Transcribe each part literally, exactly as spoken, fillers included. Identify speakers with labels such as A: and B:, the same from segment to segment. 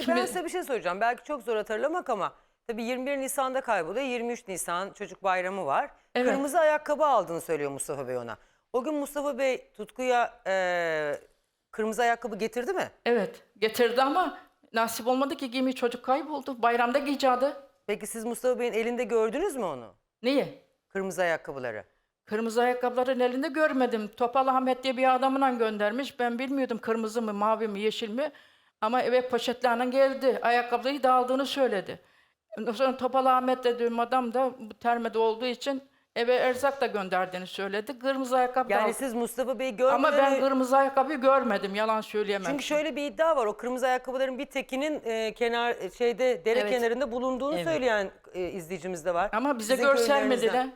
A: Şimdi...
B: ben size bir şey söyleyeceğim. Belki çok zor hatırlamak ama tabii yirmi bir Nisan'da kayboluyor. yirmi üç Nisan çocuk bayramı var.
A: Evet.
B: Kırmızı ayakkabı aldığını söylüyor Mustafa Bey ona. O gün Mustafa Bey Tutku'ya e, kırmızı ayakkabı getirdi mi?
A: Evet getirdi ama nasip olmadı ki giymeyi, çocuk kayboldu. Bayramda giyeceğiydi.
B: Peki siz Mustafa Bey'in elinde gördünüz mü onu?
A: Niye?
B: Kırmızı ayakkabıları.
A: Kırmızı ayakkabıların elinde görmedim. Topal Ahmet diye bir adamla göndermiş. Ben bilmiyordum kırmızı mı, mavi mi, yeşil mi. Ama eve poşetlerle geldi. Ayakkabıyı da aldığını söyledi. Ondan sonra Topal Ahmet dediğim adam da bu termede olduğu için eve erzak da gönderdiğini söyledi. Kırmızı ayakkabı da
B: Yani
A: aldı.
B: siz Mustafa Bey'i görmeden...
A: Ama ben
B: önce-
A: kırmızı ayakkabıyı görmedim. Yalan söyleyemem.
B: Çünkü şöyle bir iddia var. O kırmızı ayakkabıların bir tekinin e, kenar e, şeyde dere
C: Evet.
B: kenarında bulunduğunu
C: Evet.
B: söyleyen e, izleyicimiz de var.
A: Ama bize
B: Sizin
A: göstermediler.
B: köylülerinizden.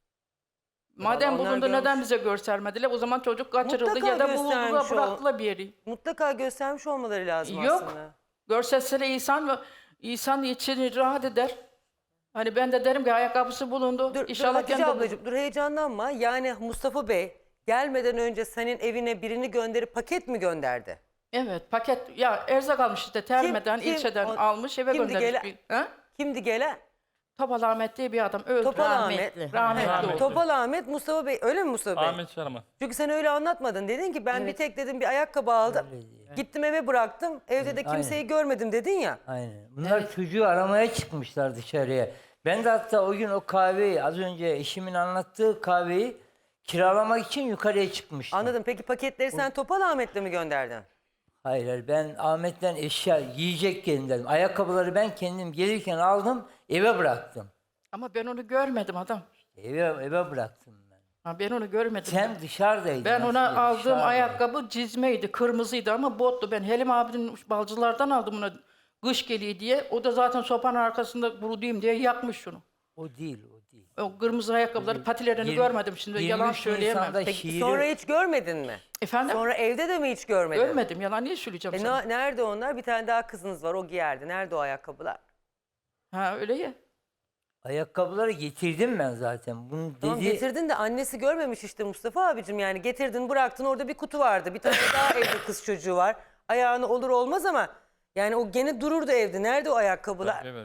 A: Madem
B: Vallahi onlar
A: bulundu neden
B: görmüş.
A: bize göstermediler? O zaman çocuk kaçırıldı
B: Mutlaka
A: ya da
B: göstermiş
A: bulundular,
B: o.
A: bıraktılar bir yeri.
B: Mutlaka göstermiş olmaları lazım
A: Yok.
B: aslında.
A: Görseseler insan ve insan içini rahat eder. Hani ben de derim ki ayakkabısı bulundu.
B: Dur,
A: İnşallah
B: dur Hatice
A: kendi
B: ablacığım dur heyecanlanma. Yani Mustafa Bey gelmeden önce senin evine birini gönderip paket mi gönderdi?
A: Evet paket ya erzak almış işte termeden
B: kim?
A: ilçeden
B: O-
A: almış eve
B: kimdi
A: göndermiş.
B: gelen?
A: Bir, ha?
B: Kimdi gelen?
A: Topal Ahmet diye bir adam öldü.
B: Topal
C: Rahmetli.
B: Ahmet.
A: Rahmetli
D: Rahmetli.
A: oldu.
B: Topal Ahmet, Mustafa Bey. Öyle mi Mustafa Bey?
D: Ahmet Şarman.
B: Çünkü sen öyle anlatmadın. Dedin ki ben bir tek dedim bir ayakkabı aldım.
E: Öyle diyor.
B: Gittim eve bıraktım. Evde de kimseyi
E: aynen.
B: görmedim dedin ya.
E: Aynen. Bunlar çocuğu aramaya çıkmışlar dışarıya. Ben de hatta o gün o kahveyi, az önce eşimin anlattığı kahveyi kiralamak için yukarıya çıkmıştım.
B: Anladım. Peki paketleri sen Topal Ahmet'le mi gönderdin?
E: Hayır, hayır, ben Ahmet'ten eşya yiyecek gönderdim. Ayakkabıları ben kendim gelirken aldım, eve bıraktım.
A: Ama ben onu görmedim adam.
E: Eve eve bıraktım ben.
A: Ha, ben onu görmedim.
E: Sen dışarıdaydın.
A: Ben ona
E: aslında,
A: aldığım
E: dışarıdaydın.
A: ayakkabı cizmeydi, kırmızıydı ama bottu. Ben Helim abinin balcılardan aldım ona kış geliyor diye. O da zaten sopanın arkasında kuruduyum diye yakmış şunu.
E: O değil, o değil.
A: O kırmızı ayakkabıları, patilerini
E: Yirmi-
A: görmedim şimdi. Yalan
E: yirmi üç
A: söyleyemem.
E: Nisan'da
A: Peki,
E: şiiri-
B: Sonra hiç görmedin mi?
A: efendim?
B: Sonra evde de mi hiç görmedin?
A: Görmedim. Yalan niye söyleyeceğim
B: E
A: sana?
B: ne- nerede onlar? Bir tane daha kızınız var. O giyerdi. Nerede o ayakkabılar?
A: Ha öyle ya.
E: Ayakkabıları getirdim ben zaten. Bunu dedi.
B: Tamam getirdin de annesi görmemiş işte Mustafa abicim. Yani getirdin bıraktın orada bir kutu vardı. Bir tane daha evde kız çocuğu var. Ayağını olur olmaz ama yani o gene dururdu evde. Nerede o ayakkabılar?
D: Evet.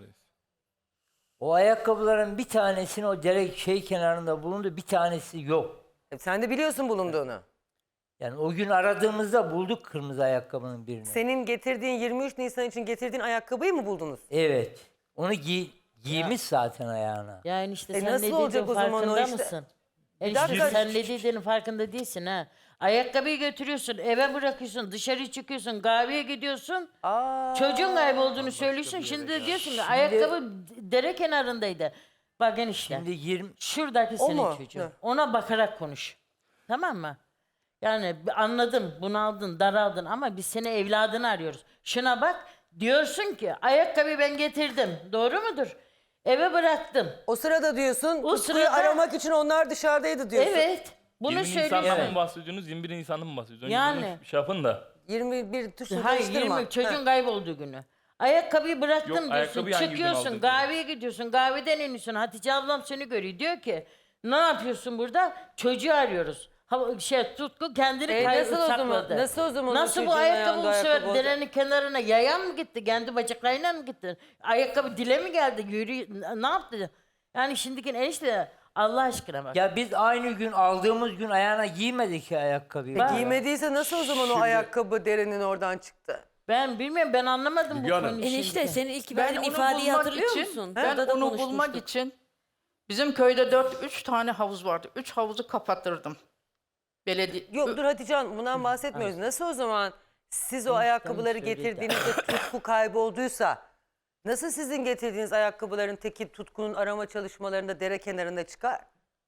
E: O ayakkabıların bir tanesini o dere şey kenarında bulundu, bir tanesi yok.
B: E, sen de biliyorsun bulunduğunu.
E: Yani o gün aradığımızda bulduk kırmızı ayakkabının birini.
B: Senin getirdiğin yirmi üç Nisan için getirdiğin ayakkabıyı mı buldunuz?
E: Evet. Onu giy giymiş zaten ayağına.
C: Yani işte
B: E
C: sen
B: nasıl
C: ne
B: olacak
C: dediğin
B: o zaman o
C: farkında
B: işte?
C: mısın?
B: Bir
C: Enişte
B: dakika.
C: sen ne dediğinin farkında değilsin ha. Ayakkabıyı götürüyorsun, eve bırakıyorsun, dışarı çıkıyorsun, kahveye gidiyorsun.
B: Aa,
C: Çocuğun kaybolduğunu söylüyorsun. Şimdi de diyorsun ki ayakkabı dere kenarındaydı. Bak enişte.
E: Şimdi yirmi
C: Şuradaki
B: O
C: senin
B: mu?
C: çocuğun.
B: Ne?
C: Ona bakarak konuş. Tamam mı? Yani anladım, bunaldın, daraldın ama biz seni evladını arıyoruz. Şuna bak, diyorsun ki ayakkabıyı ben getirdim. Doğru mudur? Eve bıraktım.
B: o sırada diyorsun
C: O
B: Tutku'yu
C: sırada-
B: aramak için onlar dışarıdaydı diyorsun.
C: Evet. Bunu
D: yirmi Nisan'dan
C: söylüyorsun.
D: mı bahsediyorsunuz? yirmi bir Nisan'dan mı bahsediyorsunuz?
C: Yani.
D: Yani. Şey yapın da.
B: yirmi bir tuşu
C: Hayır,
B: karıştırma.
C: yirmi çocuğun
B: Heh.
C: kaybolduğu günü. Ayakkabıyı bıraktım
D: Yok,
C: diyorsun,
D: ayakkabıyı hangi gün
C: çıkıyorsun,
D: aldın?
C: kahveye gidiyorsun, kahveden iniyorsun. Hatice ablam seni görüyor. Diyor ki, ne yapıyorsun burada? Çocuğu arıyoruz. Ha, şey, Tutku kendini
B: E,
C: kay-
B: nasıl o zaman-
C: sakladı.
B: nasıl o zaman o
C: Nasıl bu
B: çocuğun
C: ayakkabı
B: ayağında
C: bu sefer
B: ayakkabı olacak?
C: derenin kenarına yayan mı gitti? Kendi bacaklarıyla mı gitti? Ayakkabı dile mi geldi? Yürü, ne yaptı? Yani şimdiki enişte Allah aşkına bak.
E: Ya biz aynı gün aldığımız gün ayağına giymedik ki ayakkabıyı.
C: Ben-
B: Giymediyse nasıl o zaman o
E: Şimdi-
B: ayakkabı derenin oradan çıktı?
C: Ben bilmiyorum, ben anlamadım
F: Müge
C: bu
F: Hanım.
C: konuyu
G: Enişte
C: şimdi.
G: senin ilk
A: Ben
G: verdiğin
A: onu
G: ifadeyi
A: bulmak
G: hatırlıyor
A: için,
G: musun?
A: Ben
G: Burada da
A: onu bulmak
G: konuşmuştuk.
A: için bizim köyde dört, üç tane havuz vardı. Üç havuzu kapattırdım. Belediye.
B: Yok dur Hatice Hanım bundan bahsetmiyoruz. Nasıl o zaman siz o ayakkabıları
E: söyledi.
B: getirdiğinizde Tutku kaybolduysa nasıl sizin getirdiğiniz ayakkabıların teki Tutku'nun arama çalışmalarında dere kenarında çıkar?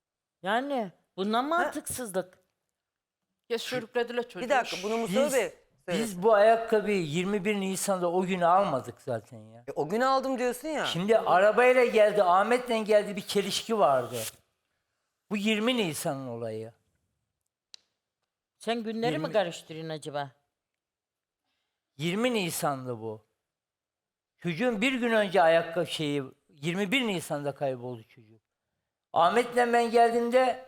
C: Yani bundan mantıksızlık.
A: Ya sürüklediler çocuğu.
B: Bir dakika bunu Mustafa
E: Biz,
B: Bey söylesin.
E: biz bu ayakkabıyı yirmi bir Nisan'da o günü almadık zaten ya.
B: E, o gün aldım diyorsun ya.
E: Şimdi arabayla geldi, Ahmet'le geldi, bir çelişki vardı. Bu yirmi Nisan'ın olayı.
C: Sen günleri mi
E: Yirmi-
C: karıştırıyorsun acaba?
E: yirmi Nisan'dı bu. Çocuğun bir gün önce ayakkabı şeyi yirmi bir Nisan'da kayboldu çocuk. Ahmet'le ben geldiğimde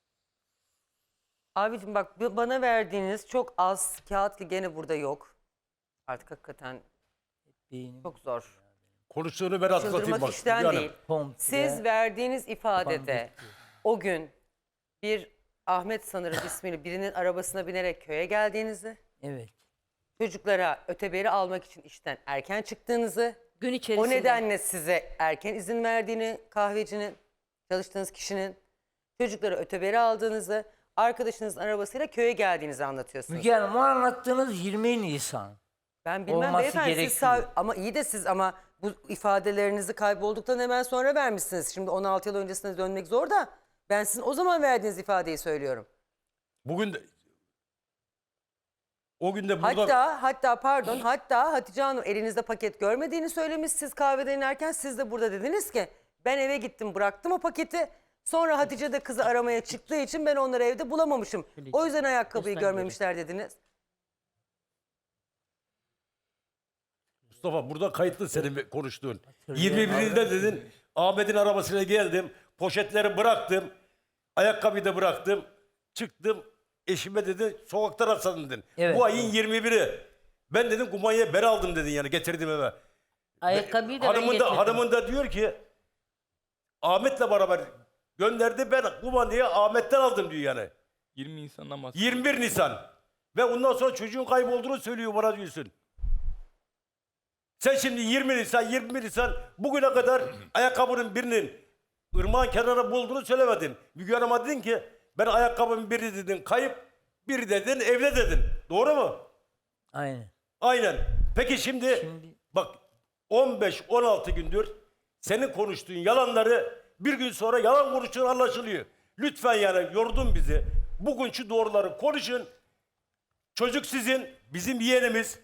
B: Abicim bak bu- bana verdiğiniz çok az kağıt ki gene burada yok. Artık hakikaten
E: Beynim
B: Çok zor.
F: Konuştuğunu ben hatırlatayım
B: Çıldırmak
F: bak.
B: işten
F: Müge Hanım.
B: değil.
E: komple
B: Siz verdiğiniz ifadede
E: kapandı.
B: o gün bir Ahmet sanırım ismini birinin arabasına binerek köye geldiğinizi,
E: Evet.
B: çocuklara öteberi almak için işten erken çıktığınızı,
A: Gün içerisinde.
B: o nedenle size erken izin verdiğini kahvecinin, çalıştığınız kişinin, çocuklara öteberi aldığınızı, arkadaşınızın arabasıyla köye geldiğinizi anlatıyorsunuz.
E: Müge Hanım o anlattığınız yirmi Nisan.
B: Ben bilmem
E: olması
B: beyefendi siz
E: gerekiyor.
B: sav- ama iyi de siz ama bu ifadelerinizi kaybolduktan hemen sonra vermişsiniz. Şimdi on altı yıl öncesine dönmek zor da ben sizin o zaman verdiğiniz ifadeyi söylüyorum.
F: Bugün de o gün de burada
B: Hatta hatta pardon hatta Hatice Hanım elinizde paket görmediğini söylemiş siz kahveden inerken siz de burada dediniz ki ben eve gittim bıraktım o paketi. Sonra Hatice de kızı aramaya çıktığı için ben onları evde bulamamışım. O yüzden ayakkabıyı
C: Göster
B: görmemişler dediniz.
F: Mustafa burada kayıtlı senin konuştuğun. yirmi birinde dedin Ahmet'in arabasına geldim. Poşetleri bıraktım. Ayakkabıyı da bıraktım. Çıktım. Eşime dedi sokakta rastladım dedin.
E: Evet.
F: Bu ayın yirmi biri. Ben dedim kumanyaya ben aldım dedin yani getirdim eve.
C: Ayakkabıyı da ben
F: hanımın
C: getirdim.
F: da, hanımın da diyor ki Ahmet'le beraber gönderdi ben kumanyayı Ahmet'ten aldım diyor yani.
D: yirmi Nisan'dan bahsediyor.
F: yirmi bir Nisan. Ve ondan sonra çocuğun kaybolduğunu söylüyor bana diyorsun. Sen şimdi yirmi Nisan, yirmi bir Nisan bugüne kadar ayakkabının birinin ırmağın kenarına bulduğunu söylemedin. Müge Hanım'a dedin ki ben ayakkabımın biri dedin kayıp, biri dedin evde dedin. Doğru mu?
E: Aynen.
F: Aynen. Peki şimdi,
E: Şimdi-
F: bak on beş on altı gündür senin konuştuğun yalanları bir gün sonra yalan konuştuğun anlaşılıyor. Lütfen yani yordun bizi. Bugün şu doğruları konuşun. Çocuk sizin, bizim yeğenimiz.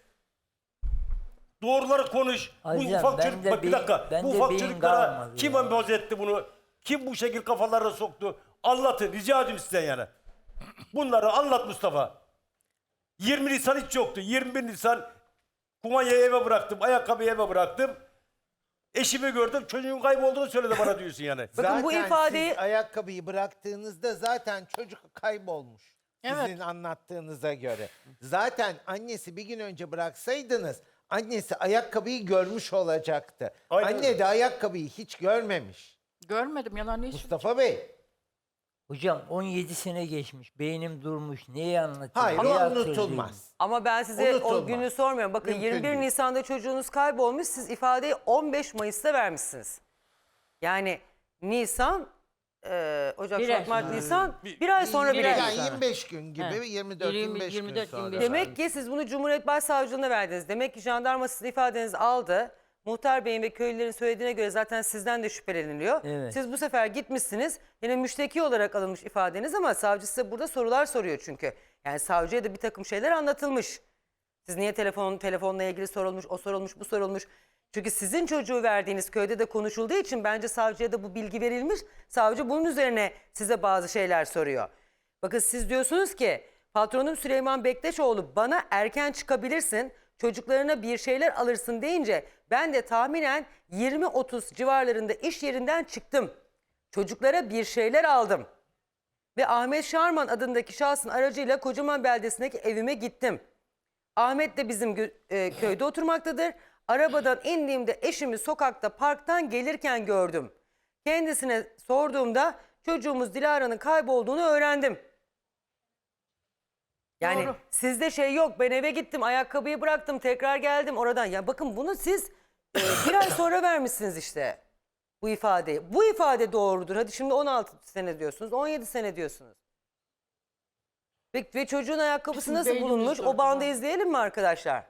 F: Doğruları konuş. bu
E: Hocam,
F: ufak
E: ben
F: çocuk,
E: de
F: bak bir
E: beyin-
F: dakika.
E: ben
F: Bu
E: de
F: ufak
E: beyin
F: çocuklara
E: kalmadı
F: kim
E: ya.
F: empoze etti bunu? Kim bu şekil kafalarına soktu? Anlatın, rica ediyorum sizden yani. Bunları anlat Mustafa. yirmi Nisan hiç yoktu. yirmi bir Nisan kumanyayı eve bıraktım, ayakkabıyı eve bıraktım. Eşimi gördüm, çocuğun kaybolduğunu söyledi bana diyorsun yani.
B: Bakın bu
G: Zaten
B: ifadeyi-
G: siz ayakkabıyı bıraktığınızda zaten çocuk kaybolmuş.
A: Evet.
G: Sizin anlattığınıza göre. Zaten annesi bir gün önce bıraksaydınız annesi ayakkabıyı görmüş olacaktı.
F: Aynen.
G: Anne de ayakkabıyı hiç görmemiş.
A: Görmedim yalan hiç.
G: Mustafa Bey.
E: Hocam on yedi sene geçmiş. Beynim durmuş. Neyi anlatayım?
G: Hayır
E: neyi
G: o
E: hatırlayayım?
G: unutulmaz.
B: Ama ben size o
G: Unutulmaz.
B: günü sormuyorum. Bakın
G: Mümkün
B: yirmi bir
G: değil.
B: Nisan'da çocuğunuz kaybolmuş. Siz ifadeyi on beş Mayıs'ta vermişsiniz. Yani Nisan, e, Ocak,
C: Bir
B: Şubat,
C: ay
B: Mart,
C: sonra.
B: Nisan bir ay sonra
C: bir
B: bile
C: ay
B: değil.
G: Yani
C: sonra.
G: yirmi beş gün gibi
C: He.
G: yirmi dört yirmi beş
C: yirmi dört,
G: gün
C: yirmi
G: sonra.
C: beş.
B: Demek ki siz bunu Cumhuriyet Başsavcılığına verdiniz. Demek ki jandarma sizin ifadenizi aldı. Muhtar Bey'in ve köylülerin söylediğine göre zaten sizden de şüpheleniliyor.
E: Evet.
B: Siz bu sefer gitmişsiniz. Yine müşteki olarak alınmış ifadeniz ama savcı size burada sorular soruyor çünkü. Yani savcıya da bir takım şeyler anlatılmış. Siz niye telefon telefonla ilgili sorulmuş, o sorulmuş, bu sorulmuş. Çünkü sizin çocuğu verdiğiniz köyde de konuşulduğu için bence savcıya da bu bilgi verilmiş. Savcı bunun üzerine size bazı şeyler soruyor. Bakın siz diyorsunuz ki patronum Süleyman Bektaşoğlu bana erken çıkabilirsin, çocuklarına bir şeyler alırsın deyince ben de tahminen yirmi otuz civarlarında iş yerinden çıktım. Çocuklara bir şeyler aldım. Ve Ahmet Şarman adındaki şahsın aracıyla Kocaman beldesindeki evime gittim. Ahmet de bizim gö- e, köyde oturmaktadır. Arabadan indiğimde eşimi sokakta parktan gelirken gördüm. Kendisine sorduğumda çocuğumuz Dilara'nın kaybolduğunu öğrendim. Yani
A: Doğru.
B: sizde şey yok, ben eve gittim ayakkabıyı bıraktım tekrar geldim oradan. Ya bakın bunu siz e, bir ay sonra vermişsiniz işte bu ifadeyi. Bu ifade doğrudur. Hadi şimdi on altı sene diyorsunuz, on yedi sene diyorsunuz. Ve, ve çocuğun ayakkabısı
A: Bizim
B: nasıl
A: beynimiz
B: bulunmuş?
A: durdu
B: O bandı
A: ya.
B: izleyelim mi arkadaşlar?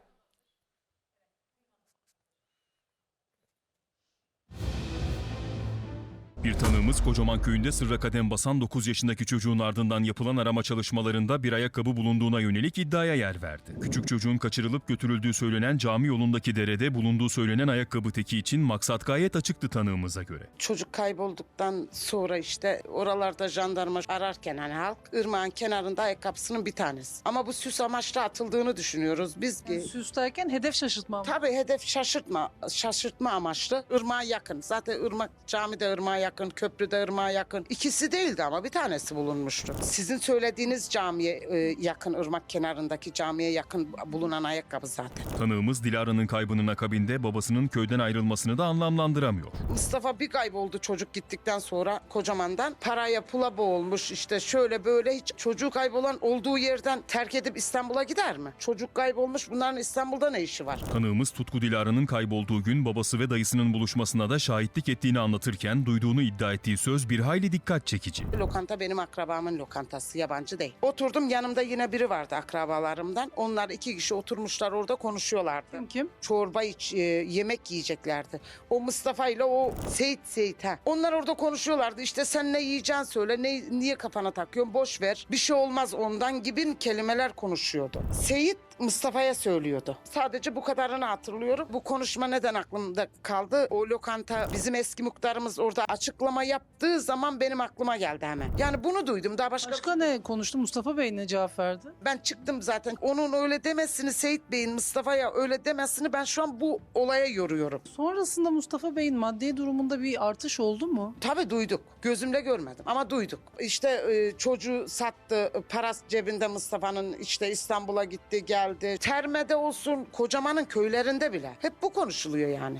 H: Bir tanığımız Kocaman köyünde sırra kadem basan dokuz yaşındaki çocuğun ardından yapılan arama çalışmalarında bir ayakkabı bulunduğuna yönelik iddiaya yer verdi. Küçük çocuğun kaçırılıp götürüldüğü söylenen cami yolundaki derede bulunduğu söylenen ayakkabı teki için maksat gayet açıktı tanığımıza göre.
I: Çocuk kaybolduktan sonra işte oralarda jandarma ararken hani halk ırmağın kenarında ayakkabısının bir tanesi. Ama bu süs amaçlı atıldığını düşünüyoruz biz ki.
J: Süs derken hedef şaşırtma mı?
I: Tabii hedef şaşırtma, şaşırtma amaçlı ırmağa yakın. Zaten ırmak camide ırmağa yakın yakın, köprüde ırmağa yakın. İkisi değildi ama bir tanesi bulunmuştu. Sizin söylediğiniz camiye e, yakın, ırmak kenarındaki camiye yakın bulunan ayakkabı zaten.
H: Tanığımız Dilara'nın kaybının akabinde babasının köyden ayrılmasını da anlamlandıramıyor.
I: Mustafa bir kayboldu çocuk gittikten sonra Kocaman'dan. Paraya pula boğulmuş işte şöyle böyle, hiç çocuğu kaybolan olduğu yerden terk edip İstanbul'a gider mi? Çocuk kaybolmuş, bunların İstanbul'da ne işi var?
H: Tanığımız Tutku Dilara'nın kaybolduğu gün babası ve dayısının buluşmasına da şahitlik ettiğini anlatırken duyduğunu iddia ettiği söz bir hayli dikkat çekici.
I: Lokanta benim akrabamın lokantası, yabancı değil. Oturdum, yanımda yine biri vardı akrabalarımdan. Onlar iki kişi oturmuşlar orada konuşuyorlardı.
J: Kim kim?
I: Çorba iç, e, yemek yiyeceklerdi. O Mustafa ile o Seyit Seyit ha. Onlar orada konuşuyorlardı. İşte sen ne yiyeceksin söyle, ne, niye kafana takıyorsun, boş ver. Bir şey olmaz ondan gibi kelimeler konuşuyordu. Seyit Mustafa'ya söylüyordu. Sadece bu kadarını hatırlıyorum. Bu konuşma neden aklımda kaldı? O lokanta, bizim eski muhtarımız orada açıklama yaptığı zaman benim aklıma geldi hemen. Yani bunu duydum. Daha başka...
J: Başka ne konuştu? Mustafa Bey ne cevap verdi?
I: Ben çıktım zaten. Onun öyle demesini, Seyit Bey'in Mustafa'ya öyle demesini ben şu an bu olaya yoruyorum.
J: Sonrasında Mustafa Bey'in maddi durumunda bir artış oldu mu?
I: Tabii duyduk. Gözümle görmedim ama duyduk. İşte e, çocuğu sattı. Paras cebinde Mustafa'nın, işte İstanbul'a gitti geldi. Terme'de olsun, Kocaman'ın köylerinde bile. Hep bu konuşuluyor yani.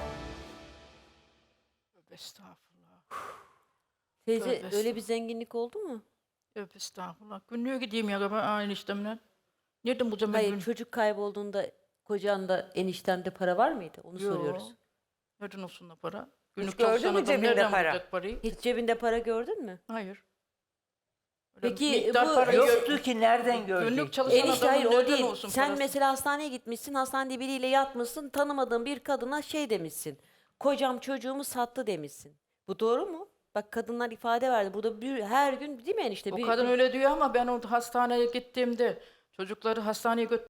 A: Estağfurullah.
K: Teyze
A: Tövbe
K: öyle bir zenginlik oldu mu?
A: Tövbe estağfurullah. Günlüğe gideyim ya ben aynı işlemle. Nereden bulacağım ben
K: Hayır,
A: gün-
K: çocuk kaybolduğunda kocanda, eniştemde para var mıydı? Onu
A: Yo.
K: soruyoruz.
A: Nereden olsun da para? Günlük
B: gördün
A: çalışan
B: mü
A: adam
B: cebinde
A: nereden
B: para?
A: bulacak parayı?
K: Hiç cebinde para gördün mü?
A: Hayır. Öyle
K: Peki,
A: miktar
K: bu-
A: para
E: Yoktu
A: gö-
E: ki nereden görecek?
A: Günlük çalışan
K: Enişte
A: adamın
K: hayır o
A: nereden
K: değil.
A: olsun
K: Sen
A: parası?
K: mesela hastaneye gitmişsin, hastanede biriyle yatmışsın, tanımadığın bir kadına şey demişsin. Kocam çocuğumu sattı demişsin. Bu doğru mu? Bak kadınlar ifade verdi. Burada bir, her gün değil mi enişte?
A: O
K: Bir-
A: kadın
K: bir-
A: öyle diyor ama ben o hastaneye gittiğimde çocukları hastaneye götür.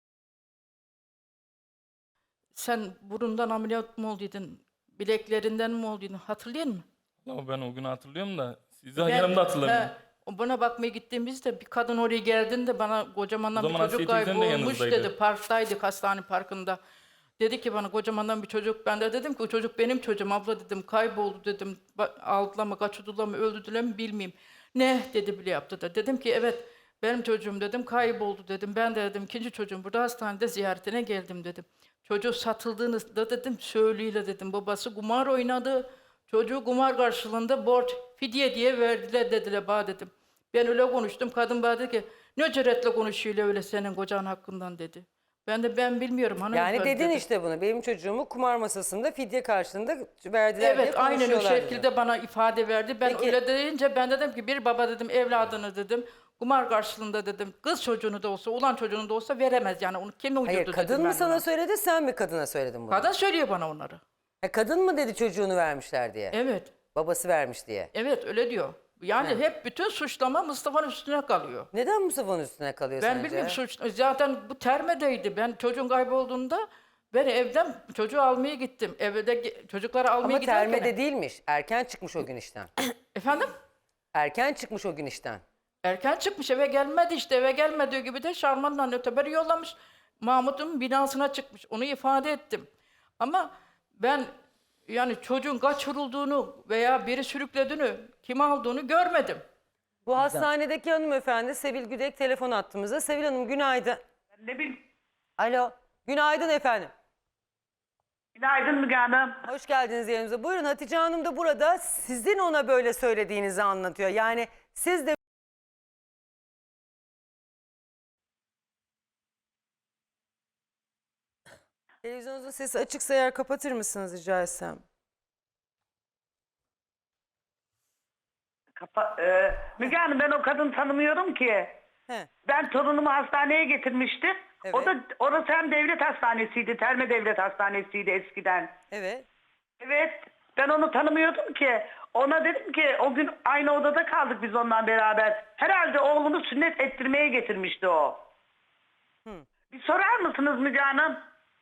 A: Sen burundan ameliyat mı olduydun? Bileklerinden mi olduydun? Hatırlıyor musun?
D: Ama ben o günü hatırlıyorum da sizi
A: Ben-
D: yanımda hatırlamıyorum.
A: He, o bana bakmaya gittiğimizde bir kadın oraya geldiğinde bana kocamandan
D: O
A: bir
D: zaman
A: çocuk
D: Asiye teyzen de
A: kaybolmuş
D: yanınızdaydı.
A: dedi. Parktaydık, hastane parkında. Dedi ki bana kocamandan bir çocuk. Ben de dedim ki o çocuk benim çocuğum abla dedim. Kayboldu dedim. Ba- Aldılar mı, kaçırdılar mı, öldürdüler mi bilmeyeyim. Ne dedi bile yaptı da. Dedim ki evet benim çocuğum dedim kayboldu dedim. Ben de dedim ikinci çocuğum burada hastanede ziyaretine geldim dedim. Çocuğu satıldığını da dedim söylüyle dedim. Babası kumar oynadı. Çocuğu kumar karşılığında borç fidye diye verdiler dediler bana dedim. Ben öyle konuştum. Kadın bana dedi ki ne cüretle konuşuyor öyle senin kocan hakkından dedi. Ben de ben bilmiyorum hanımefendi
B: Yani dedin
A: dedim.
B: işte bunu. Benim çocuğumu kumar masasında fidye karşılığında verdiler diye
A: Evet aynen o
B: konuşuyorlar
A: şekilde
B: diyor.
A: bana ifade verdi. Ben
B: Peki.
A: öyle deyince ben dedim ki bir baba dedim evladını dedim kumar karşılığında dedim kız çocuğunu da olsa ulan çocuğunu da olsa veremez yani onu kim uydurdu
B: Hayır,
A: dedim
B: kadın
A: ben
B: mı sana
A: ona.
B: söyledi, sen mi kadına söyledin bunu?
A: Kadın söylüyor bana onları.
B: Ha, kadın mı dedi çocuğunu vermişler diye?
A: Evet.
B: Babası vermiş diye.
A: Evet öyle diyor. Yani
B: Evet.
A: hep bütün suçlama Mustafa'nın üstüne kalıyor.
B: Neden Mustafa'nın üstüne kalıyor
A: Ben
B: sence?
A: bilmiyorum suç zaten bu termedeydi. Ben çocuğun kaybolduğunda ben evden çocuğu almaya gittim. Evde ge- çocukları almaya
B: Ama
A: giderken.
B: termede değilmiş. Erken çıkmış o gün işten.
A: Efendim?
B: Erken çıkmış o gün işten.
A: Erken çıkmış eve gelmedi işte eve gelmediği gibi de Şarman'dan öteberi yollamış. Mahmut'un binasına çıkmış onu ifade ettim. Ama ben yani çocuğun kaçırıldığını veya biri sürüklediğini kim aldığını görmedim.
B: Bu hastanedeki hanımefendi Sevil Güdek telefon attığımızda. Sevil Hanım günaydın.
L: Ne bileyim.
B: Alo. Günaydın efendim.
L: Günaydın Müge Hanım.
B: Hoş geldiniz yanımıza. Buyurun Hatice Hanım da burada sizin ona böyle söylediğinizi anlatıyor. Yani siz de televizyonunuzun sesi açıksa eğer kapatır mısınız rica etsem?
L: Kapa e, Müge Hanım ben o kadını tanımıyorum ki.
B: He.
L: Ben torunumu hastaneye getirmiştim.
B: Evet.
L: O da orası hem devlet hastanesiydi. Terme Devlet Hastanesi'ydi eskiden.
B: Evet.
L: Evet. Ben onu tanımıyordum ki. Ona dedim ki o gün aynı odada kaldık biz onunla beraber. Herhalde oğlunu sünnet ettirmeye getirmişti o.
B: Hı.
L: Bir sorar mısınız Müge Hanım?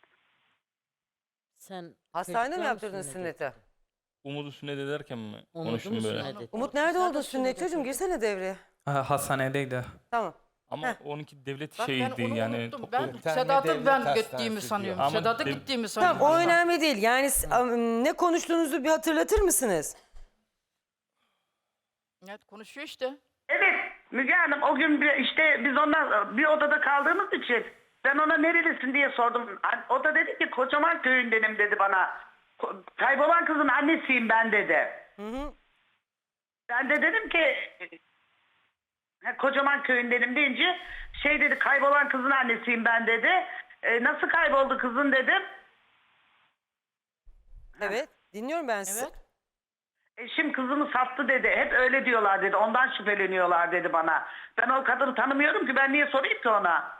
C: Sen
B: Hastanede mi
C: çocuklar
B: yaptırdın
C: mısın
B: sünneti?
D: Umudu sünnet ederken mi
C: Umudu
D: konuştum
C: mu
D: böyle?
C: sünnet ettin?
B: Umut nerede
C: Sen de
B: oldun sünnet çocuğum? Girsene devreye.
M: Ha, hastanedeydi.
B: Tamam.
D: Ama
B: Heh.
D: onunki devlet
A: Bak ben
D: şeydi
A: onu
D: yani.
A: unuttum.
D: toplu-
A: Ben
G: Bir tane
A: Sedat'ı
G: devlet
A: ben
G: hastanesi
A: gittiğimi
G: diyor.
A: sanıyorum.
D: Ama
A: Sedat'ı
D: dev-
A: gittiğimi
B: Tamam
A: sanıyorum.
B: o önemli değil. Yani s- am- ne konuştuğunuzu bir hatırlatır mısınız?
A: Evet konuşuyor işte.
L: Evet Müge Hanım o gün bir- işte biz ondan bir odada kaldığımız için ben ona nerelisin diye sordum. O da dedi ki Kocaman köyündenim dedi bana. Ko- Kaybolan kızın annesiyim ben dedi. Ben de dedim ki ha, Kocaman köyündenim deyince şey dedi kaybolan kızın annesiyim ben dedi. E, nasıl kayboldu kızın dedim.
B: Evet. Dinliyorum ben sizi.
A: Evet.
L: Eşim kızımı sattı dedi. Hep öyle diyorlar dedi. Ondan şüpheleniyorlar dedi bana. Ben o kadını tanımıyorum ki ben niye sorayım ki ona?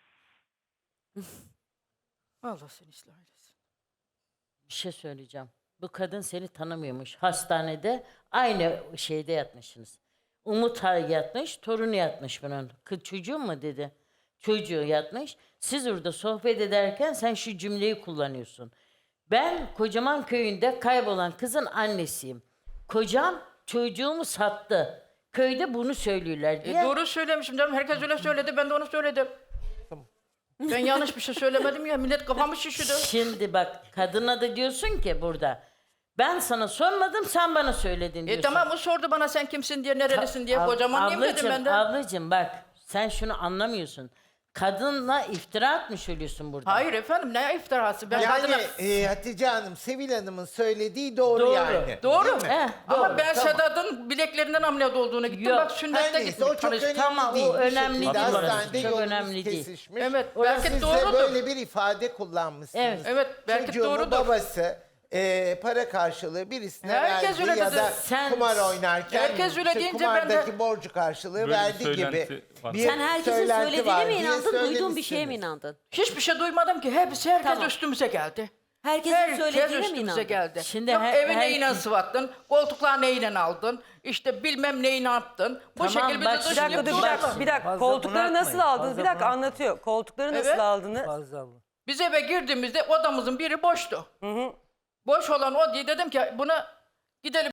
A: Allah seni ıslah eylesin.
C: Bir şey söyleyeceğim. Bu kadın seni tanımıyormuş. Hastanede aynı şeyde yatmışsınız. Umut ha- yatmış, torunu yatmış bunun. Kız çocuğum mu dedi. Çocuğu yatmış. Siz orada sohbet ederken sen şu cümleyi kullanıyorsun. Ben Kocaman köyünde kaybolan kızın annesiyim. Kocam çocuğumu sattı. Köyde bunu söylüyorlar diye.
A: E, doğru söylemişim canım. Herkes öyle söyledi. Ben de onu söyledim. Ben yanlış bir şey söylemedim ya. Millet kafamı şişirdi.
C: Şimdi bak kadına da diyorsun ki burada. Ben sana sormadım sen bana söyledin
A: E
C: diyorsun.
A: tamam o sordu bana sen kimsin diye, nerelisin diye. Kocaman diyeyim dedim
C: ablacığım,
A: ben de.
C: Ablacığım bak sen şunu anlamıyorsun. Kadınla iftira atmış oluyorsun burada.
A: Hayır efendim ne iftirası. Ben
G: Yani
A: kadına...
G: e, Hatice Hanım, Sevil Hanım'ın söylediği doğru,
C: Doğru,
G: yani.
A: Doğru.
G: Değil mi?
C: Eh,
A: Ama
C: doğru,
A: ben
G: tamam.
A: Sedat'ın bileklerinden ameliyat olduğunu gittim.
C: Yok,
A: Bak
G: Her
A: sünnette
G: neyse
A: gittim.
G: o çok
A: tanıştım.
G: önemli
C: Tamam, o
G: değil. Bir
C: önemli
G: şekilde
C: değil orası.
G: hastanede
C: Çok
G: yolunuz
C: önemli değil.
G: kesişmiş.
A: Evet,
G: Ve
A: belki
G: siz de
A: doğrudur.
G: böyle bir ifade kullanmışsınız.
C: Evet,
A: evet, belki
G: Çocuğumu
A: doğrudur.
G: babası e, para karşılığı birisine
A: Herkes
G: verdi
A: öyle
G: ya
A: dedi.
G: da
C: Sen-
G: kumar oynarken
A: Herkes öyle
G: işte
A: deyince ben de-
G: kumardaki borcu karşılığı
D: Böyle bir
G: verdi
D: söylenti
G: gibi.
D: var.
G: bir
K: Sen herkesin
G: söylenti
K: söylediğine
G: var
K: mi
G: diye
K: inandın, duyduğun bir şeye mi
G: söylemişsiniz.
K: inandın?
A: Hiçbir şey duymadım ki. Hepsi herkes
K: Tamam.
A: üstümüze geldi.
K: Herkesin
A: Herkes
K: söylediğine mi
A: üstümüze
K: inandın?
A: geldi.
C: Şimdi
A: Yok
C: her-
A: evi
C: her-
A: neyle sıvattın, koltuklar neyle aldın, işte bilmem neyi yaptın. Bu
C: Tamam,
A: şekilde
C: bak
A: bizi
C: şimdi
B: Bir dakika dur bir
A: dışlıyorlar.
B: dakika. Bir dakika.
E: Fazla
B: Koltukları nasıl
E: bunaltmayın,
B: aldınız?
E: fazla
B: Bir dakika
E: bunaltmayın.
B: anlatıyor. Koltukları nasıl
A: Evet.
B: aldınız?
E: Fazla bu.
A: Biz eve girdiğimizde odamızın biri boştu. Boş olan o diye dedim ki buna gidelim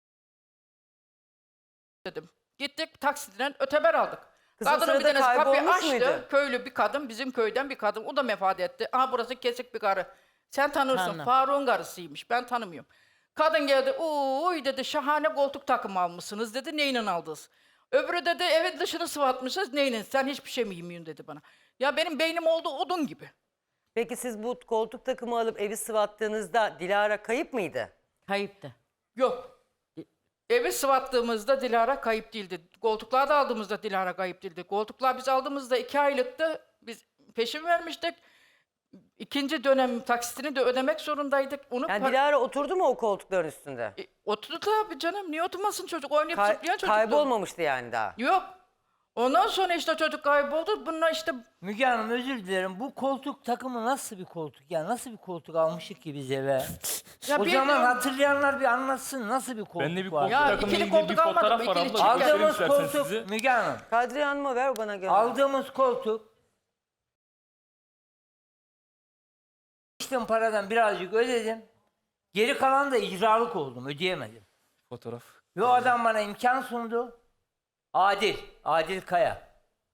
A: dedim. Gittik taksiden öteber aldık.
B: Kızın
A: Kadının bir
B: sırada
A: tanesi kapıyı
B: kaybolmuş
A: açtı.
B: muydu?
A: Köylü bir kadın, bizim köyden bir kadın. O da vefat etti. Aha burası kesik bir karı. Sen tanırsın.
C: Tanrım.
A: Faruk'un karısıymış. Ben tanımıyorum. Kadın geldi. Uy dedi şahane koltuk takımı almışsınız dedi. Neyle aldınız? Öbürü dedi evet dışını sıvatmışsınız. Neyle? Sen hiçbir şey mi yemiyorsun dedi bana. Ya benim beynim oldu odun gibi.
B: Peki siz bu koltuk takımı alıp evi sıvattığınızda Dilara kayıp mıydı?
C: Kayıptı.
A: Yok. Evi sıvattığımızda Dilara kayıp değildi. Koltuklar da aldığımızda Dilara kayıp değildi. Koltuklar biz aldığımızda iki aylıktı. Biz peşin vermiştik. İkinci dönem taksitini de ödemek zorundaydık. Onu
B: Yani
A: par-
B: Dilara oturdu mu o koltukların üstünde?
A: E, oturdu tabii canım. Niye oturmasın çocuk? Oynayıp
B: Kay-
A: zıplayan çocuktu.
B: kaybolmamıştı yani daha.
A: Yok. Ondan sonra işte çocuk kayboldu. Bununla işte
E: Müge Hanım özür dilerim. Bu koltuk takımı nasıl bir koltuk? Ya nasıl bir koltuk almışık ki biz eve?
A: ya
E: o
A: bir-
E: zaman hatırlayanlar bir anlatsın nasıl bir koltuk
D: Ben de bir
E: var?
D: koltuk
A: Ya
D: takımla
A: ikili
D: ilgili
A: koltuk
D: bir fotoğraf
A: almadım,
D: var
A: ikili
D: abla.
A: çift
D: göstereyim
E: Aldığımız
D: istersen
E: koltuk
D: sizi.
E: Müge Hanım.
B: Kadriye Hanım'a ver bana gönder.
E: Aldığımız koltuk İşte paradan birazcık ödedim. Geri kalan da icralık oldum. Ödeyemedim.
D: Fotoğraf.
E: Ve o adam bana imkan sundu. Adil. Adil Kaya.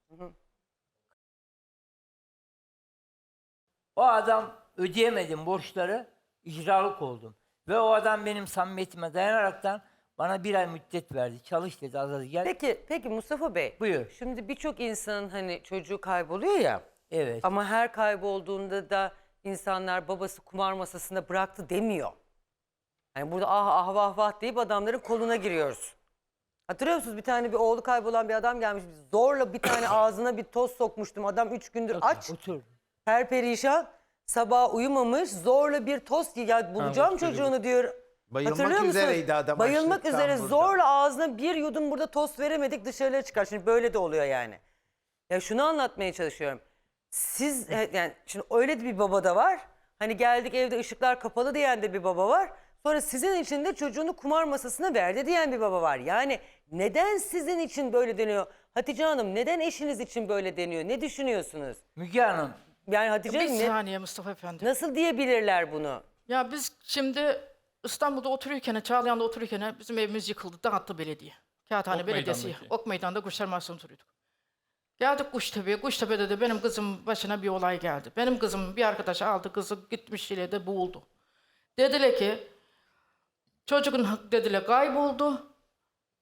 E: O adam ödeyemedim borçları. İcralık oldum. Ve o adam benim samimiyetime dayanaraktan bana bir ay müddet verdi. Çalış dedi az az gel.
B: Peki, peki Mustafa Bey.
E: Buyur.
B: Şimdi birçok insanın hani çocuğu kayboluyor ya.
E: Evet.
B: Ama her kaybolduğunda da insanlar babası kumar masasında bıraktı demiyor. Yani burada ah ah vah vah deyip adamların koluna giriyoruz. Hatırlıyor musunuz? Bir tane bir oğlu kaybolan bir adam gelmiş. Zorla bir tane ağzına bir toz sokmuştum. Adam üç gündür aç.
E: Otur.
B: Perperişan. Sabah uyumamış. Zorla bir toz. Ya bulacağım
D: bak şöyle
B: çocuğunu diyor.
G: Bayılmak
B: Hatırlıyor musunuz?
G: üzereydi adam
B: Bayılmak
G: açlıktan
B: üzere
G: burada.
B: zorla ağzına bir yudum burada tost veremedik dışarıya çıkar. Şimdi böyle de oluyor yani. Ya şunu anlatmaya çalışıyorum. Siz e, yani şimdi öyle de bir baba da var. Hani geldik evde ışıklar kapalı diyen de bir baba var. Sonra sizin için de çocuğunu kumar masasına verdi diyen bir baba var. Yani neden sizin için böyle deniyor? Hatice Hanım neden eşiniz için böyle deniyor? Ne düşünüyorsunuz?
E: Müge Hanım.
B: Yani Hatice
A: bir
B: Hanım ne-
A: saniye Mustafa Efendi.
B: nasıl diyebilirler bunu?
A: Ya biz şimdi İstanbul'da otururken, Çağlayan'da otururken bizim evimiz yıkıldı. Dağıttı belediye. Kağıthane
D: Ok
A: Belediyesi.
D: Meydan'daki.
A: Ok Meydan'da Kuşlar Mahsusu'nda oturuyorduk. Geldik Kuştepe'ye. Kuştepe'de de benim kızım başına bir olay geldi. Benim kızım bir arkadaş aldı kızı gitmiş de boğuldu. Dediler ki çocuğun dediler kayboldu.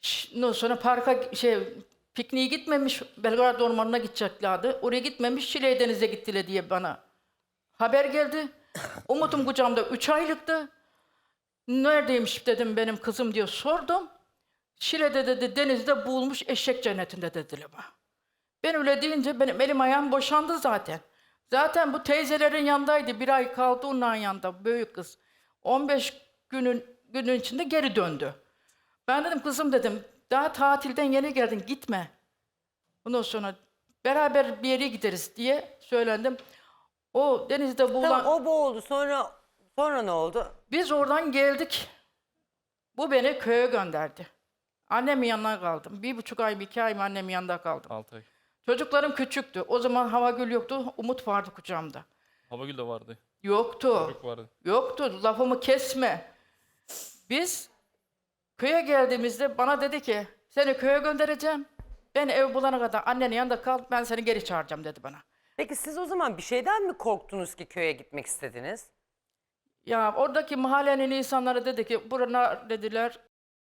A: Ş- Ondan sonra parka şey pikniğe gitmemiş. Belgrad Ormanı'na gideceklerdi. Oraya gitmemiş. Şile Deniz'e gittiler diye bana haber geldi. Umut'um kucağımda üç aylıktı. Neredeymiş dedim benim kızım diye sordum. Şile'de dedi denizde boğulmuş eşek cennetinde dediler bana. Ben öyle deyince benim elim ayağım boşandı zaten. Zaten bu teyzelerin yanındaydı. Bir ay kaldı onların yanında büyük kız. on beş günün günün içinde geri döndü. Ben dedim kızım dedim daha tatilden yeni geldin gitme. Ondan sonra beraber bir yere gideriz diye söylendim. O denizde boğulan...
B: Tamam o boğuldu. Sonra sonra ne oldu?
A: Biz oradan geldik. Bu beni köye gönderdi. Annemin yanına kaldım. Bir buçuk ay, iki ay mı annemin yanında kaldım.
D: altı ay.
A: Çocuklarım küçüktü. O zaman Havagül yoktu. Umut vardı kucağımda.
D: Havagül de vardı.
A: Yoktu.
D: Çocuk vardı.
A: Yoktu. Lafımı kesme. Biz köye geldiğimizde bana dedi ki seni köye göndereceğim. Ben ev bulana kadar annenin yanında kal. Ben seni geri çağıracağım dedi bana.
B: Peki siz o zaman bir şeyden mi korktunuz ki köye gitmek istediniz?
A: Ya oradaki mahallenin insanları dedi ki burana dediler.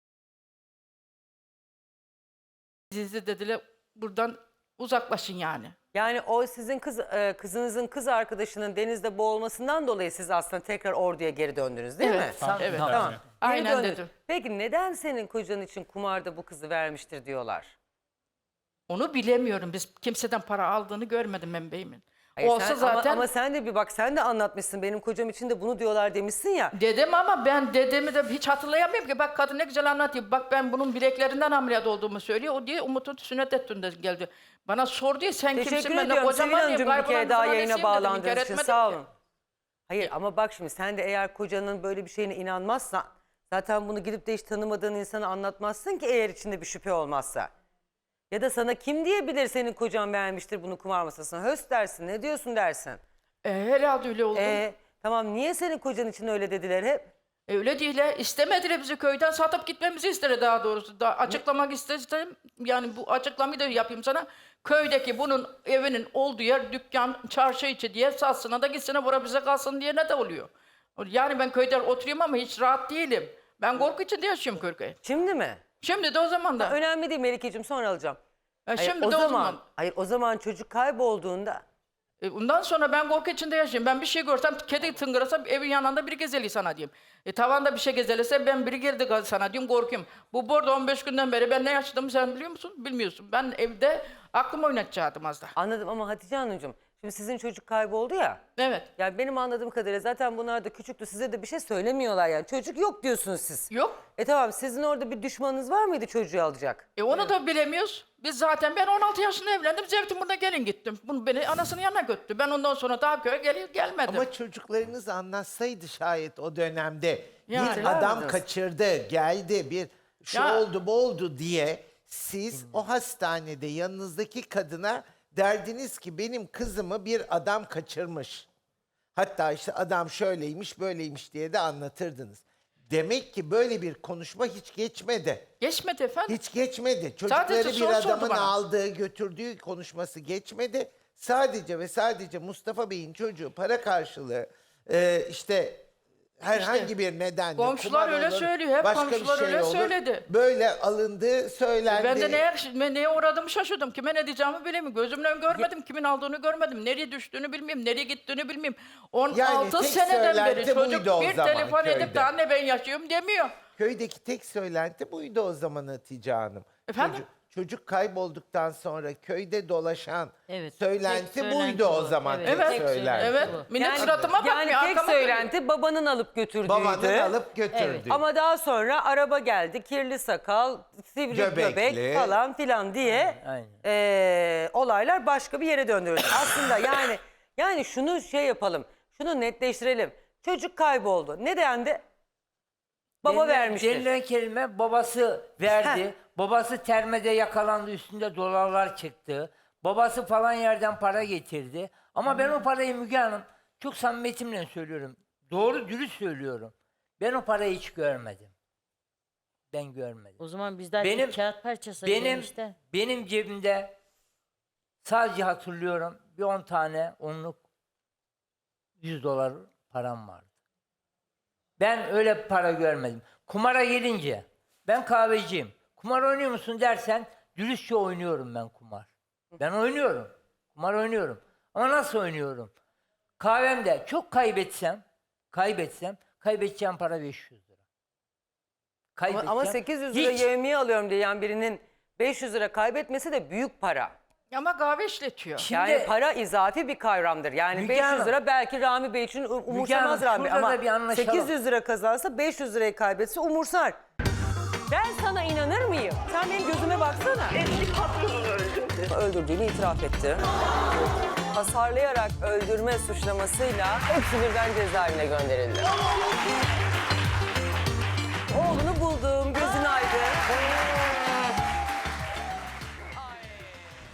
A: Sizi dediler buradan uzaklaşın yani.
B: Yani o sizin kız e, kızınızın kız arkadaşının denizde boğulmasından dolayı siz aslında tekrar orduya geri döndünüz değil
A: Evet,
B: mi?
A: tam- evet.
B: Tamam. Geri
A: Aynen
B: döndünüz.
A: dedim.
B: Peki neden senin kocan için kumarda bu kızı vermiştir diyorlar?
A: Onu bilemiyorum. Biz kimseden para aldığını görmedim ben beyimin.
B: Hayır,
A: Olsa
B: sen-
A: zaten
B: Ama, ama sen de bir bak sen de anlatmışsın benim kocam için de bunu diyorlar demişsin ya.
A: dedim ama ben dedemi de hiç hatırlayamıyorum ki. Bak kadın ne güzel anlatıyor. Bak ben bunun bileklerinden ameliyat olduğumu söylüyor. O diye Umut'un sünnet ettiğinde geldi. Bana sor diye sen
B: Teşekkür
A: kimsin? Ben de
B: ediyorum Sevil
A: kocaman
B: Hanımcığım
A: diyeyim.
B: bir kere
A: Kaybolan
B: daha
A: kızın
B: yayına
A: annesiyim dedim. İnkar
B: bağlandığınız için
A: etmedim
B: sağ
A: ki.
B: olun. Hayır ama bak şimdi sen de eğer kocanın böyle bir şeyine inanmazsan zaten bunu gidip de hiç tanımadığın insana anlatmazsın ki eğer içinde bir şüphe olmazsa. Ya da sana kim diyebilir senin kocan beğenmiştir bunu kumar masasına? Höst dersin ne diyorsun dersin.
A: E, herhalde öyle oldu.
B: Ee, tamam niye senin kocan için öyle dediler hep?
A: E, öyle değil. he. İstemediler bizi köyden satıp gitmemizi istedi daha doğrusu. Daha açıklamak istedim. Yani bu açıklamayı da yapayım sana. Köydeki bunun evinin olduğu yer dükkan, çarşı içi diye satsına da gitsene bura bize kalsın diye ne de oluyor. Yani ben köyde oturuyorum ama hiç rahat değilim. Ben korku içinde yaşıyorum köyde.
B: Şimdi mi?
A: Şimdi de o zaman da.
B: Önemli değil Melike'cim sonra alacağım.
A: E,
B: Hayır,
A: şimdi
B: o
A: de o
B: zaman,
A: zaman.
B: hayır o zaman çocuk kaybolduğunda
A: E, ondan sonra ben korku içinde yaşıyorum. Ben bir şey görsem kedi tıngırasa evin yanında biri gezeli sana diyeyim. E, tavanda bir şey gezelese ben biri geldi sana diyeyim korkuyorum. Bu burada on beş günden beri ben ne yaşadığımı sen biliyor musun? Bilmiyorsun. Ben evde aklımı oynatacaktım az da.
B: anladım ama Hatice Hanımcığım şimdi sizin çocuk kayboldu ya.
A: Evet.
B: Yani benim anladığım kadarıyla zaten bunlar da küçüktü size de bir şey söylemiyorlar yani. Çocuk yok diyorsunuz siz.
A: Yok.
B: E tamam sizin orada bir düşmanınız var mıydı çocuğu alacak?
A: E onu da bilemiyoruz. Biz zaten ben on altı yaşında evlendim. Zeytinburnu'na gelin gittim. Bunu beni anasının yanına götürdü. Ben ondan sonra daha köye gel gelmedim.
G: Ama çocuklarınız anlatsaydı şayet o dönemde
A: Yani.
G: bir adam
B: Verdiniz.
G: kaçırdı, geldi, bir şu
A: Ya.
G: oldu bu oldu diye siz o hastanede yanınızdaki kadına derdiniz ki benim kızımı bir adam kaçırmış. Hatta işte adam şöyleymiş böyleymiş diye de anlatırdınız. Demek ki böyle bir konuşma hiç geçmedi.
A: Geçmedi efendim.
G: Hiç geçmedi.
A: Sadece
G: Çocukları bir
A: soru sordu
G: adamın
A: bana.
G: aldığı, götürdüğü konuşması geçmedi. Sadece ve sadece Mustafa Bey'in çocuğu para karşılığı e, işte herhangi
A: İşte,
G: bir nedenle
A: komşular
G: kumar
A: öyle
G: olur,
A: söylüyor, hep
G: başka bir
A: komşular
G: şey
A: öyle
G: olur,
A: söyledi.
G: böyle alındığı söylendi.
A: Ben de neye, ben neye uğradığımı şaşırdım. Kime ne diyeceğimi bilemiyorum. Gözümle görmedim. Kimin aldığını görmedim. Nereye düştüğünü bilmiyorum. Nereye gittiğini bilmiyorum. on altı
G: tek
A: seneden beri
G: söylenti
A: çocuk
G: buydu o
A: bir
G: zaman
A: telefon edip
G: köyde.
A: de anne ben yaşıyorum demiyor.
G: Köydeki tek söylenti buydu o zaman Hatice Hanım.
A: Efendim?
G: Çocuk, çocuk kaybolduktan sonra köyde dolaşan
C: Evet,
G: söylenti
C: tek
G: buydu
C: söylenti
G: o
C: bu.
G: zaman
C: Evet,
G: tek
A: Evet,
C: tek
G: söylenti.
A: evet. Millet
B: Yani-
A: suratıma bakmıyor.
B: Yani tek
A: arkama bakıyor.
B: söylenti babanın alıp götürdüğüydü.
G: Babanın alıp götürdü.
B: Ama daha sonra araba geldi, kirli sakal, sivri
G: Göbekli.
B: göbek falan filan diye
E: Aynen.
B: eee, olaylar başka bir yere döndürüldü. Aslında yani yani şunu şey yapalım, şunu netleştirelim. Çocuk kayboldu. Ne dendi? Baba
E: Denilen-
B: vermiştir.
E: Denilen kelime babası verdi.
B: Heh.
E: Babası termede yakalandı, üstünde dolarlar çıktı. Babası falan yerden para getirdi. Ama ben o parayı Müge Hanım çok samimiyetimle söylüyorum. Doğru dürüst söylüyorum. Ben o parayı hiç görmedim. Ben görmedim.
C: O zaman bizden
E: Benim-
C: bir kağıt parçası
E: Benim
C: işte.
E: benim cebimde sadece hatırlıyorum bir on tane onluk yüz dolar param vardı. Ben öyle para görmedim. Kumara gelince ben kahveciyim. Kumar oynuyor musun dersen dürüstçe oynuyorum ben kumar. Ben oynuyorum. Kumar oynuyorum. Ama nasıl oynuyorum? Kahvemde çok kaybetsem, kaybetsem, kaybedeceğim para beş yüz lira.
B: Ama,
E: Kaybedeceğim.
B: ama sekiz yüz lira
E: Hiç-
B: yevmiye alıyorum diyen birinin beş yüz lira kaybetmesi de büyük para.
A: Ama kahve işletiyor.
E: Şimdi-
B: Yani para izafi bir kavramdır. Yani
E: Müge
B: beş yüz
E: Hanım.
B: lira belki Rami Bey için um- umursamaz Rami Bey.
E: şurada
B: Ama
E: da bir anlaşalım.
B: sekiz yüz lira kazansa beş yüz lirayı kaybetse umursar. Ben sana inanır mıyım? Sen benim gözüme baksana.
L: Eski patronunu öldürdü.
B: Öldürdüğünü itiraf etti. Hasarlayarak öldürme suçlamasıyla hepsi birden cezaevine gönderildi.